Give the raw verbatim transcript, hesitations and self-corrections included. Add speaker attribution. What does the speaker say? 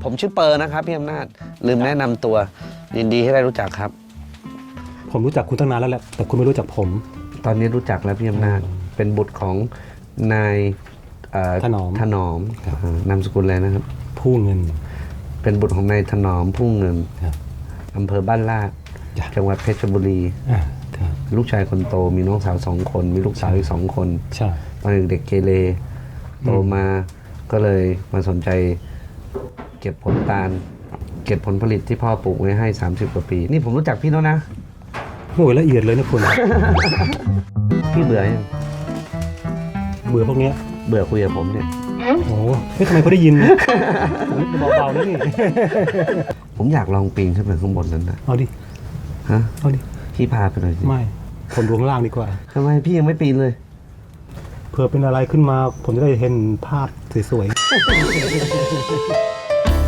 Speaker 1: ผมชื่อเปอร์นะครับพี่อำนาจลืมแนะนำตัวยินดีที่ได้รู้จักครับ
Speaker 2: ผมรู้จักคุณตั้งนานแล้วแหละแต่คุณไม่รู้จักผม
Speaker 1: ตอนนี้รู้จักแล้วพี่อำนาจเป็นบุตรของนาย
Speaker 2: ถนอม
Speaker 1: ถนอมนามสกุลอะไรนะครับ
Speaker 2: ผู้เงิน
Speaker 1: เป็นบุตรของนายถนอมผู้เงินอำเภอบ้านลาดจังหวัดเพชรบุรีลูกชายคนโตมีน้องสาวสองคนมีลูกสาวอีกสองคนตอนเด็กเกเรโตมาก็เลยมาสนใจเก็บผลตาลเก็บผลผลิตที่พ่อปลูกไว้ให้สามสิบกว่าปีนี่ผมรู้จักพี่แล้วนะ
Speaker 2: โอ้ยละเอียดเลยนะคุณ
Speaker 1: พี่เบื่อยัง
Speaker 2: เบื่อพวกนี้
Speaker 1: เบื่อคุยกับผมเนี่ย
Speaker 2: โอ้เฮ้ยทำไมเขาได้ยินเบาๆนะนี่
Speaker 1: ผมอยากลองปีนขึ้นไปข้างบนนั้นนะ
Speaker 2: เอาดิ
Speaker 1: ฮะ
Speaker 2: เอาดิ
Speaker 1: พี่พาไปหน่อยสิ
Speaker 2: ไม่คนดูข้างล่างดีกว่า
Speaker 1: ทำไมพี่ยังไม่ปีนเลย
Speaker 2: เผื่อเป็นอะไรขึ้นมาผมจะได้เห็นภาพสวยๆ